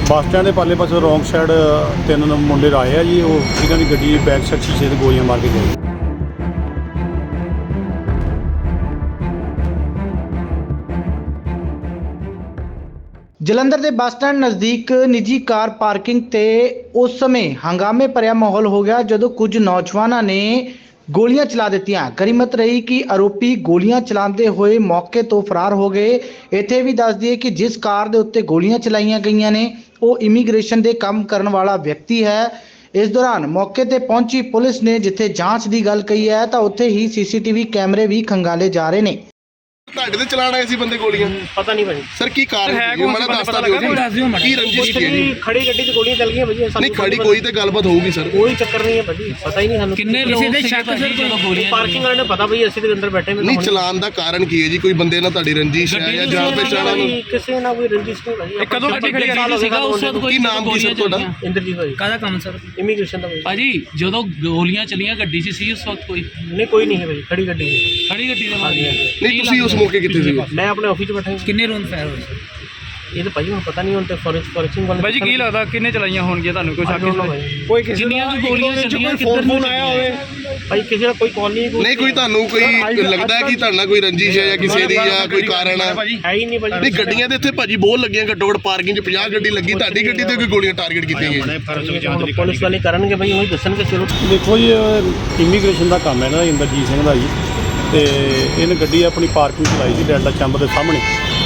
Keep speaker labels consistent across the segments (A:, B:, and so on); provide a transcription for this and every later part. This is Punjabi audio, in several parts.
A: ਬੱਸ ਸਟੈਂਡ ਦੇ ਪਾਲੇ ਪਾਸੇ ਰੋਂਗ ਸਾਈਡ ਤਿੰਨ ਮੁੰਡੇ ਆਏ ਆ ਜੀ। ਉਹ ਇਹਨਾਂ ਦੀ ਗੱਡੀ ਬੈਕ ਸਾਈਡ ਸ਼ੀਸ਼ੇ ਤੇ ਗੋਲੀਆਂ ਮਾਰ ਕੇ ਗਏ।
B: ਜਲੰਧਰ ਦੇ ਬੱਸ ਸਟੈਂਡ ਨਜ਼ਦੀਕ ਨਿੱਜੀ ਕਾਰ ਪਾਰਕਿੰਗ ਤੇ ਉਸ ਸਮੇਂ ਹੰਗਾਮੇ ਭਰਿਆ ਮਾਹੌਲ ਹੋ ਗਿਆ ਜਦੋਂ ਕੁਝ ਨੌਜਵਾਨਾਂ ਨੇ ਗੋਲੀਆਂ ਚਲਾ ਦਿੱਤੀਆਂ। ਕਰੀਮਤ ਰਹੀ ਕਿ ਆਰੋਪੀ ਗੋਲੀਆਂ ਚਲਾਉਂਦੇ ਹੋਏ ਮੌਕੇ ਤੋਂ ਫਰਾਰ ਹੋ ਗਏ। ਇੱਥੇ ਵੀ ਦੱਸ ਦਈਏ ਕਿ ਜਿਸ ਕਾਰ ਦੇ ਉੱਤੇ ਗੋਲੀਆਂ ਚਲਾਈਆਂ ਗਈਆਂ ਨੇ ਉਹ ਇਮੀਗ੍ਰੇਸ਼ਨ ਦੇ ਕੰਮ ਕਰਨ ਵਾਲਾ ਵਿਅਕਤੀ ਹੈ। ਇਸ ਦੌਰਾਨ ਮੌਕੇ ਤੇ ਪਹੁੰਚੀ ਪੁਲਿਸ ਨੇ ਜਿੱਥੇ ਜਾਂਚ ਦੀ ਗੱਲ ਕਹੀ ਹੈ ਤਾਂ ਉੱਥੇ ਹੀ ਸੀਸੀਟੀਵੀ ਕੈਮਰੇ ਵੀ ਖੰਗਾਲੇ ਜਾ ਰਹੇ ਨੇ।
C: ਤੁਹਾਡੇ ਤੇ ਚਲਾਣ ਆਏ ਸੀ ਬੰਦੇ ਗੋਲੀਆਂ?
D: ਪਤਾ ਨਹੀਂ ਭਾਜੀ
C: ਸਰ ਕੀ ਕਾਰਨ ਹੈ? ਮੈਨੂੰ ਦੱਸਦਾ ਦਿਓ ਜੀ ਕੀ ਰੰਜਿਸ਼ ਕੀ ਹੈ ਜੀ?
D: ਖੜੀ ਗੱਡੀ 'ਚ ਗੋਲੀਆਂ ਚੱਲ ਗਈਆਂ ਭਾਜੀ।
C: ਨਹੀਂ ਖੜੀ ਕੋਈ ਤੇ ਗੱਲਬਾਤ ਹੋਊਗੀ ਸਰ।
D: ਕੋਈ ਚੱਕਰ ਨਹੀਂ ਹੈ ਭਾਜੀ, ਪਤਾ ਹੀ ਨਹੀਂ ਸਾਨੂੰ
E: ਕਿੰਨੇ ਕਿਸੇ ਦੇ ਸ਼ੱਕ ਸਰ ਜਦੋਂ ਗੋਲੀਆਂ
D: ਪਾਰਕਿੰਗ ਵਾਲੇ ਨੇ ਪਤਾ ਭਾਈ ਅਸੀਂ ਤੇ ਅੰਦਰ ਬੈਠੇ
C: ਨਹੀਂ ਚਲਾਣ ਦਾ ਕਾਰਨ ਕੀ ਹੈ ਜੀ? ਕੋਈ ਬੰਦੇ ਨਾਲ ਤੁਹਾਡੀ ਰੰਜਿਸ਼ ਹੈ ਜਾਂ ਜਾਣ ਪਛਾਣ ਨੂੰ?
D: ਕਿਸੇ ਨਾਲ ਕੋਈ ਰੰਜਿਸ਼ ਨਹੀਂ ਭਾਜੀ।
E: ਕਦੋਂ ਗੱਡੀ ਖੜੀ ਸੀਗਾ ਉਸ ਵਕਤ ਕੋਈ
C: ਕੀ ਨਾਮ ਕੀ ਸਰ ਤੁਹਾਡਾ?
D: ਇੰਦਰਜੀਤ ਭਾਜੀ।
E: ਕਾਹਦਾ ਕੰਮ ਸਰ?
D: ਇਮੀਗ੍ਰੇਸ਼ਨ ਦਾ ਭਾਜੀ।
E: ਭਾਜੀ ਜਦੋਂ ਗੋਲੀਆਂ ਚਲੀਆਂ ਗੱਡੀ 'ਚ ਸੀ ਉਸ ਵਕਤ ਕੋਈ?
D: ਨਹੀਂ ਕੋਈ ਨਹੀਂ ਹੈ ਭਾਜੀ, ਖੜੀ ਗੱਡੀ ਹੈ।
E: ਖੜੀ ਗੱਡੀ ਦੇ ਮਾਰੀ?
C: ਨਹੀਂ ਤੁਸੀਂ ਉਸ ਮੌਕੇ ਕਿੱਥੇ ਸੀ?
D: ਮੈਂ ਆਪਣੇ ਆਫਿਸ 'ਚ ਬੈਠਾ।
E: ਕਿੰਨੇ ਰੌਂਦ ਫਾਇਰ ਹੋਏ ਸਰ?
D: ਇਹ ਤਾਂ ਭਾਜੀ ਹੁਣ ਪਤਾ ਨਹੀਂ, ਹੁਣ ਤੇ ਫੋਰੈਂਸਿਕ ਵਾਲੇ
F: ਭਾਜੀ ਕੀ ਲੱਗਦਾ ਕਿੰਨੇ ਚਲਾਈਆਂ ਹੋਣਗੀਆਂ ਤੁਹਾਨੂੰ ਕੋਈ ਸ਼ੱਕ?
E: ਕੋਈ ਕਿਸੇ ਦੀਆਂ ਵੀ ਗੋਲੀਆਂ ਚੱਲੀਆਂ ਕਿੱਧਰ ਨੂੰ ਆਇਆ ਹੋਵੇ?
D: ਭਾਈ ਕਿਸੇ ਦਾ ਕੋਈ ਕਾਲ
C: ਨਹੀਂ ਕੋਈ ਤੁਹਾਨੂੰ ਕੋਈ ਲੱਗਦਾ ਹੈ ਕਿ ਤੁਹਾਡੇ ਨਾਲ ਕੋਈ ਰੰਜਿਸ਼ ਹੈ ਜਾਂ ਕਿਸੇ ਦੀ ਜਾਂ ਕੋਈ ਕਾਰਨ ਹੈ?
D: ਹੈ ਹੀ ਨਹੀਂ ਭਾਜੀ।
C: ਨਹੀਂ ਗੱਡੀਆਂ ਦੇ ਇੱਥੇ ਭਾਜੀ ਬਹੁਤ ਲੱਗੀਆਂ, ਘੱਟੋ ਘੱਟ ਪਾਰਕਿੰਗ 'ਚ 50 ਗੱਡੀ ਲੱਗੀ। ਤੁਹਾਡੀ ਗੱਡੀ ਤੇ ਕੋਈ ਗੋਲੀਆਂ ਟਾਰਗੇਟ ਕੀਤੀਆਂ ਗਈਆਂ?
D: ਪੁਲਿਸ ਵਾਲੇ ਕਰਨਗੇ ਭਾਈ, ਉਹੀ ਦੱਸਣਗੇ। ਚਲੋ
A: ਦੇਖੋ ਜੀ, ਇਮੀਗ੍ਰੇਸ਼ਨ ਦਾ ਕੰਮ ਹੈ ਨਾ ਇੰਦਰਜੀਤ ਸਿੰਘ ਦਾ ਜੀ। ਤੇ ਇਹਨੇ ਗੱਡੀ ਆਪਣੀ ਪਾਰਕਿੰਗ 'ਚ ਲਾਈ ਸੀ ਡੈਲਟਾ ਚੈਂਬਰ ਦੇ ਸਾਹਮਣੇ।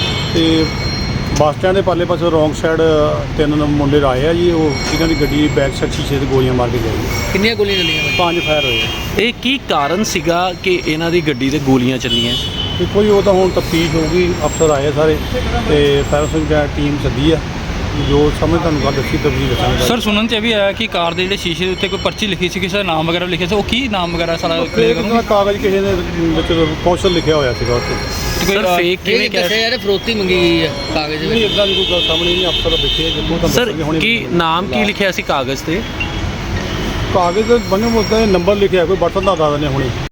A: ਤੇ ਬੱਸ ਸਟੈਂਡ ਦੇ ਪਾਲੇ ਪਾਸੇ ਰੋਂਗ ਸਾਈਡ ਤਿੰਨ ਮੁੰਡੇ ਆਏ ਆ ਜੀ। ਉਹ ਇਹਨਾਂ ਦੀ ਗੱਡੀ ਬੈਕ ਸਾਈਡ ਸ਼ੀਸ਼ੇ ਤੇ ਗੋਲੀਆਂ ਮਾਰ ਕੇ ਗਏ।
E: ਕਿੰਨੀਆਂ ਗੋਲੀਆਂ ਚੱਲੀਆਂ?
A: 5 ਫਾਇਰ ਹੋਏ।
G: ਇਹ ਕੀ ਕਾਰਨ ਸੀਗਾ ਕਿ ਇਹਨਾਂ ਦੀ ਗੱਡੀ ਤੇ ਗੋਲੀਆਂ ਚੱਲੀਆਂ?
A: ਦੇਖੋ ਜੀ, ਉਹ ਤਾਂ ਹੁਣ ਤਫਤੀਸ਼ ਹੋਊਗੀ। ਅਫਸਰ ਆਏ ਸਾਰੇ ਤੇ ਫਾਇਰ ਸਿੰਘ ਟੀਮ ਸੱਦੀ ਆ। ਜੋ ਸਮਝ ਤੁਹਾਨੂੰ ਗੱਲ ਦੱਸੀ ਤਫਤੀਸ਼ ਦੱਸਾਂਗੇ।
F: ਸਰ ਸੁਣਨ 'ਚ ਇਹ ਵੀ ਆਇਆ ਕਿ ਕਾਰ ਦੇ ਜਿਹੜੇ ਸ਼ੀਸ਼ੇ ਦੇ ਉੱਤੇ ਕੋਈ ਪਰਚੀ ਲਿਖੀ ਸੀ, ਕਿਸੇ ਦਾ ਨਾਮ ਵਗੈਰਾ ਲਿਖਿਆ ਸੀ। ਉਹ ਕੀ ਨਾਮ ਵਗੈਰਾ ਸਾਰਾ ਕਲੀਅਰ ਕਰੋ।
A: ਕਾਗਜ਼ ਕਿਸੇ ਨੇ ਵਿੱਚ ਕੌਸ਼ਲ ਲਿਖਿਆ ਹੋਇਆ ਸੀਗਾ ਉੱਤੇ।
G: ਸਰ ਫੇਕ ਕਿਵੇਂ ਕਹਿ
E: ਯਾਰ ਫਰੋਤੀ ਮੰਗੀ ਗਈ ਹੈ ਕਾਗਜ਼
A: ਨਹੀਂ ਇੱਦਾਂ ਦੀ ਕੋਈ ਗੱਲ ਸਾਹਮਣੇ ਨਹੀਂ। ਅਫਸਰ ਦੇਖੇ ਜਿੱਦੋਂ ਤਾਂ
G: ਸਰ ਕੀ ਨਾਮ ਕੀ ਲਿਖਿਆ ਸੀ ਕਾਗਜ਼ ਤੇ?
A: ਕਾਗਜ਼ ਬੰਨੇ ਮੁੱਦਾ ਨੰਬਰ ਲਿਖਿਆ ਕੋਈ ਬਟਨ ਦਾ ਦੱਸ ਦਿੰਦੇ ਹੁਣੇ।